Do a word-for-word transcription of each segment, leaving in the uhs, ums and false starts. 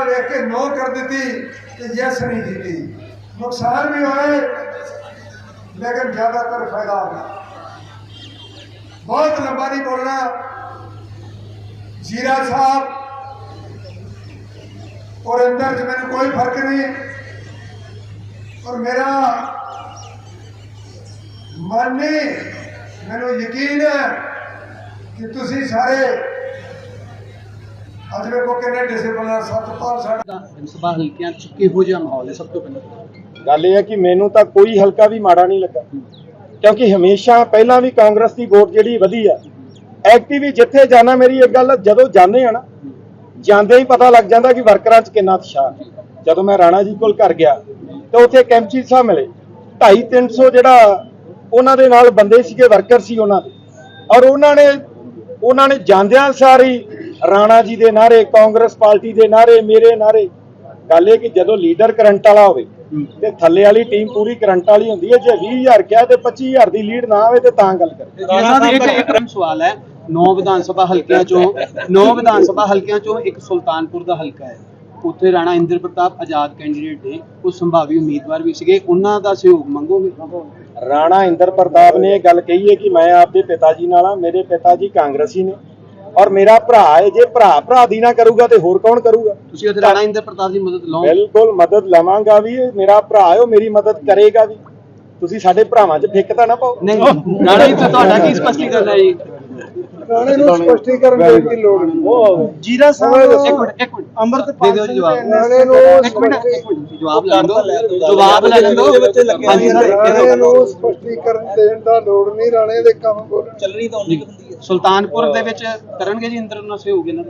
वेख के नो कर दी कि यस नहीं जीती। नुकसान भी होए लेकिन ज्यादातर फायदा होगा। बहुत लंबा नहीं बोलना। जीरा साहब और अंदर च मैंने कोई फर्क नहीं, और मेरा मन नहीं, मैंने यकीन है कि तुसी सारे अज वेखो किन्ने डिसिपलिन सतपाल साडा ਸਭਾ ਹਲਕਿਆਂ ਚ ਕਿਹੋ ਜਿਹਾ ਮਾਹੌਲ ਹੈ? ਸਭ ਤੋਂ ਪਹਿਲਾਂ ਗੱਲ ਇਹ ਹੈ ਕਿ ਮੈਨੂੰ ਤਾਂ ਕੋਈ ਹਲਕਾ ਵੀ ਮਾੜਾ ਨਹੀਂ ਲੱਗਾ, ਕਿਉਂਕਿ ਹਮੇਸ਼ਾ ਪਹਿਲਾਂ ਵੀ ਕਾਂਗਰਸ ਦੀ ਵੋਟ ਜਿਹੜੀ ਵਧੀ ਆ। ਐਕਟਿਵ ਜਿੱਥੇ ਜਾਣਾ, ਮੇਰੀ ਇੱਕ ਗੱਲ, ਜਦੋਂ ਜਾਂਦੇ ਆ ਨਾ, ਜਾਂਦੇ ਹੀ ਪਤਾ ਲੱਗ ਜਾਂਦਾ ਕਿ ਵਰਕਰਾਂ 'ਚ ਕਿੰਨਾ ਉਤਸ਼ਾਹ। ਜਦੋਂ ਮੈਂ ਰਾਣਾ ਜੀ ਕੋਲ ਘਰ ਗਿਆ ਤੇ ਉੱਥੇ ਕੈਂਪਚੀ ਸਾਹਿਬ ਮਿਲੇ, ਢਾਈ ਤਿੰਨ ਸੌ ਜਿਹੜਾ ਉਹਨਾਂ ਦੇ ਨਾਲ ਬੰਦੇ ਸੀਗੇ, ਵਰਕਰ ਸੀ ਉਹਨਾਂ ਦੇ, ਔਰ ਉਹਨਾਂ ਨੇ ਉਹਨਾਂ ਨੇ ਜਾਂਦਿਆਂ ਸਾਰੀ ਰਾਣਾ ਜੀ ਦੇ ਨਾਰੇ, ਕਾਂਗਰਸ ਪਾਰਟੀ ਦੇ ਨਾਰੇ, ਮੇਰੇ ਨਾਰੇ। ਗੱਲ ਇਹ ਕਿ ਜਦੋਂ ਲੀਡਰ ਕਰੰਟ ਵਾਲਾ ਹੋਵੇ ਤੇ ਥੱਲੇ ਵਾਲੀ ਟੀਮ ਪੂਰੀ ਕਰੰਟ ਵਾਲੀ ਹੁੰਦੀ ਹੈ। ਜੇ ਵੀਹ ਹਜ਼ਾਰ ਕਿਹਾ ਤੇ ਪੱਚੀ ਹਜ਼ਾਰ ਦੀ ਲੀਡ ਨਾ ਆਵੇ ਤੇ ਤਾਂ ਗੱਲ ਕਰੇ। ਇੱਕ ਇੱਕ ਸਵਾਲ ਹੈ, ਨੌ ਵਿਧਾਨ ਸਭਾ ਹਲਕਿਆਂ ਚੋਂ ਨੌ ਵਿਧਾਨ ਸਭਾ ਹਲਕਿਆਂ ਚੋਂ ਇੱਕ ਸੁਲਤਾਨਪੁਰ ਦਾ ਹਲਕਾ ਹੈ, ਉੱਥੇ ਰਾਣਾ ਇੰਦਰ ਪ੍ਰਤਾਪ ਆਜ਼ਾਦ ਕੈਂਡੀਡੇਟ ਨੇ, ਉਹ ਸੰਭਾਵੀ ਉਮੀਦਵਾਰ ਵੀ ਸੀਗੇ, ਉਹਨਾਂ ਦਾ ਸਹਿਯੋਗ ਮੰਗੋਗੇ? ਰਾਣਾ ਇੰਦਰ ਪ੍ਰਤਾਪ ਨੇ ਇਹ ਗੱਲ ਕਹੀ ਹੈ ਕਿ ਮੈਂ ਆਪਦੇ ਪਿਤਾ ਜੀ ਨਾਲ ਆ, ਮੇਰੇ ਪਿਤਾ ਜੀ ਕਾਂਗਰਸੀ ਨੇ ਔਰ ਮੇਰਾ ਭਰਾ ਹੈ। ਜੇ ਭਰਾ ਭਰਾ ਦੀ ਨਾ ਕਰੂਗਾ ਤੇ ਹੋਰ ਕੌਣ ਕਰੂਗਾ? ਤੁਸੀਂ ਉੱਥੇ ਰਾਣਾ ਇੰਦਰ ਪ੍ਰਤਾਪ ਦੀ ਮਦਦ ਲਓ? ਬਿਲਕੁਲ ਮਦਦ ਲਵਾਂਗਾ ਵੀ, ਮੇਰਾ ਭਰਾ ਹੈ, ਉਹ ਮੇਰੀ ਮਦਦ ਕਰੇਗਾ ਵੀ। ਤੁਸੀਂ ਸਾਡੇ ਭਰਾਵਾਂ 'ਚ ਫਿੱਕ ਤਾਂ ਨਾ ਪਾਓ। ਨਹੀਂ, ਰਾਣਾ ਜੀ ਤੁਹਾਡਾ ਕੀ ਸਪਸ਼ਟੀਕਰਨ ਹੈ ਜੀ? ਰਾਣੇ ਨੂੰ ਸਪਸ਼ਟੀਕਰਨ ਦੇਣ ਦੀ ਲੋੜ ਨਹੀਂ। ਜੀਰਾ ਸਾਹਿਬ ਇੱਕ ਮਿੰਟ ਇੱਕ ਮਿੰਟ ਅੰਮ੍ਰਿਤਪਾਲ ਦੇ ਦਿਓ ਜੀ ਜਵਾਬ। ਰਾਣੇ ਨੂੰ ਇੱਕ ਮਿੰਟ ਇੱਕ ਮਿੰਟ ਜਵਾਬ ਲੈ ਲਓ, ਜਵਾਬ ਲੈ ਲਓ। ਹਾਂਜੀ ਸਰ, ਰਾਣੇ ਨੂੰ ਸਪਸ਼ਟੀਕਰਨ ਦੇਣ ਦਾ ਲੋੜ ਨਹੀਂ। ਰਾਣੇ ਦੇ ਕੰਮ ਬੋਲਣ ਚੱਲਣੀ ਤਾਂ ਉਨੀ ਹੁੰਦੀ ਹੈ। ਸੁਲਤਾਨਪੁਰ ਦੇ ਵਿੱਚ ਕਰਨਗੇ ਜੀ ਇੰਦਰ ਨਾਲ ਸਹਿਯੋਗ ਇਹਨਾਂ ਦਾ?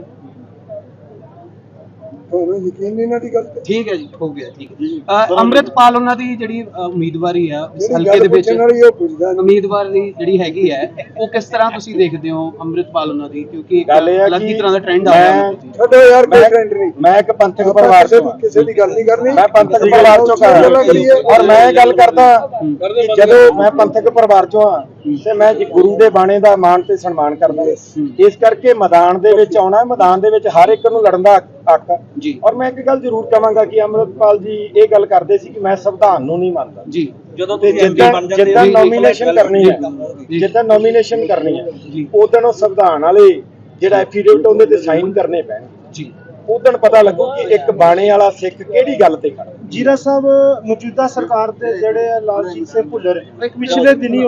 ਤੁਹਾਨੂੰ ਯਕੀਨ ਨਹੀਂ ਨਾ ਦੀ ਗੱਲ ਤੇ? ਠੀਕ ਹੈ ਜੀ, ਹੋ ਗਿਆ, ਠੀਕ ਹੈ। ਅੰਮ੍ਰਿਤਪਾਲ ਉਹਨਾਂ ਦੀ ਜਿਹੜੀ ਉਮੀਦਵਾਰੀ ਆ ਇਸ ਜਿਹੜੀ ਹਲਕੇ ਦੇ ਗੱਲ ਵਿੱਚ, ਪੁੱਛਣ ਵਾਲੀ ਉਹ ਪੁੱਛਦਾ ਨਹੀਂ। ਉਮੀਦਵਾਰ ਦੀ ਜਿਹੜੀ ਹੈਗੀ ਹੈ, ਉਹ ਕਿਸ ਤਰ੍ਹਾਂ ਤੁਸੀਂ ਦੇਖਦੇ ਹੋ ਅੰਮ੍ਰਿਤਪਾਲ ਉਹਨਾਂ ਦੀ? ਕਿਉਂਕਿ ਇੱਕ ਗੱਲ ਇਹ ਹੈ ਅਲੱਗ ਹੀ ਕਿ ਤਰ੍ਹਾਂ ਦਾ ਟ੍ਰੈਂਡ ਆ ਰਿਹਾ ਹੈ। ਛੱਡੋ ਯਾਰ, ਕੋਈ ਟ੍ਰੈਂਡ ਨਹੀਂ। ਮੈਂ ਇੱਕ ਪੰਥਕ ਪਰਿਵਾਰ ਕਿਸੇ ਤੋਂ ਦੀ ਹਾਂ। ਕਿਸੇ ਦੀ ਗੱਲ ਨਹੀਂ ਕਰਨੀ। ਮੈਂ ਪੰਥਕ ਪਰਿਵਾਰ ਚੋਂ ਕਰ ਔਰ ਮੈਂ ਇਹ ਗੱਲ ਕਰਦਾ ਕਿ ਜਦੋਂ ਮੈਂ ਪੰਥਕ ਪਰਿਵਾਰ ਚੋਂ ਆ ਤੇ ਮੈਂ ਜੀ ਗੁਰੂ ਦੇ ਬਾਣੇ ਦਾ ਮਾਣ ਤੇ ਸਨਮਾਨ ਕਰਦਾ। ਇਸ ਕਰਕੇ ਮੈਦਾਨ ਦੇ ਵਿੱਚ ਆਉਣਾ, ਮੈਦਾਨ ਦੇ ਵਿੱਚ ਹਰ ਇੱਕ ਨੂੰ ਲੜਨ ਦਾ ਹੱਕ ਜੀ। ਔਰ ਮੈਂ ਇੱਕ ਗੱਲ ਜ਼ਰੂਰ ਕਹਾਂਗਾ ਕਿ ਅੰਮ੍ਰਿਤਪਾਲ ਜੀ ਇਹ ਗੱਲ ਕਰਦੇ ਸੀ ਕਿ ਮੈਂ ਸੰਵਿਧਾਨ ਨੂੰ ਨਹੀਂ ਮੰਨਦਾ ਜੀ। ਜਦੋਂ ਜਿੱਦਾਂ ਨੋਮੀਨੇਸ਼ਨ ਕਰਨੀ ਹੈ, ਜਿੱਦਾਂ ਨੋਮੀਨੇਸ਼ਨ ਕਰਨੀ ਹੈ, ਉਦੋਂ ਉਹ ਸੰਵਿਧਾਨ ਵਾਲੇ ਜਿਹੜਾ ਐਫੀਡੇਵਿਟ ਉਹਦੇ ਤੇ ਸਾਈਨ ਕਰਨੇ ਪੈਣ ਜੀ। ਉਦੋਂ ਪਤਾ ਲੱਗੂ ਕਿ ਇੱਕ ਬਾਣੇ ਵਾਲਾ ਸਿੱਖ ਕਿਹੜੀ ਗੱਲ ਤੇ ਖੜਾ। ਜੀਰਾ ਸਾਹਿਬ, ਮੌਜੂਦਾ ਸਰਕਾਰ ਦੇ ਜਿਹੜੇ ਲਾਲਜੀਤ ਸਿੰਘ ਭੁੱਲਰ ਪਿਛਲੇ ਦਿਨੀ